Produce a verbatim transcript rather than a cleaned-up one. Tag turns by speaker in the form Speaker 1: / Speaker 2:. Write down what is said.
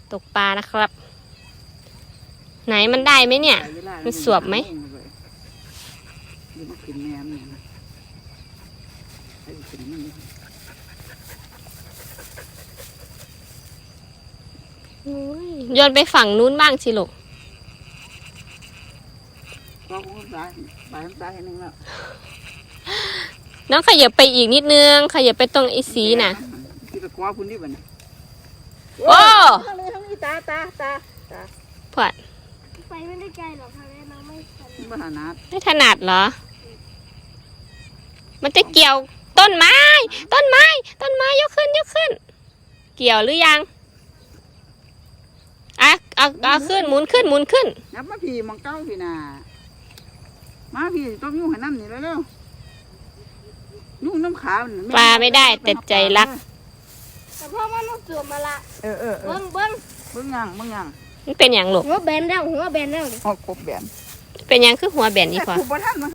Speaker 1: ตกปลานะครับไหนมันได้ไหมเนี่ยมันสวบไหมโยนไปฝั่งนู้นบ้างสิลูกน้องขยับไปอีกนิดนึงขยับไปตรงไอ้สีน่ะโอ้ตาตาตาตาพอด
Speaker 2: ไปไม่ได้ไกลหรอกค่ะแม่น้องไม่ถ
Speaker 1: นัดไม่ถนัดเหรอมันจะเกี่ยวต้นไม้ต้นไม้ต้นไม้ยกขึ้นยกขึ้นเกี่ยวหรือยังอ่ะเอาเอาขึ้นหมุนขึ้นหมุนขึ้น
Speaker 3: นับมาพี่มังเก้าพี่น่ะมาพี่ต้มยุ่งให้น้ำนี่แล้วเร็วยุ่งน้ำขาว
Speaker 1: ปลาไม่ได้แต่ใจรัก
Speaker 2: แต่พ่อมันต้องสวมมาละ
Speaker 3: เออเออ
Speaker 2: เบิ้งเบิ้ง
Speaker 3: เบิ้งยังเบิ้งยัง
Speaker 1: มันเป็นอย่างลูก
Speaker 2: หัวแบนแล้วหัวแบนแล้ว
Speaker 3: หัวกบแบน
Speaker 1: เป็นอย่างคือหัวแบนนี่พอ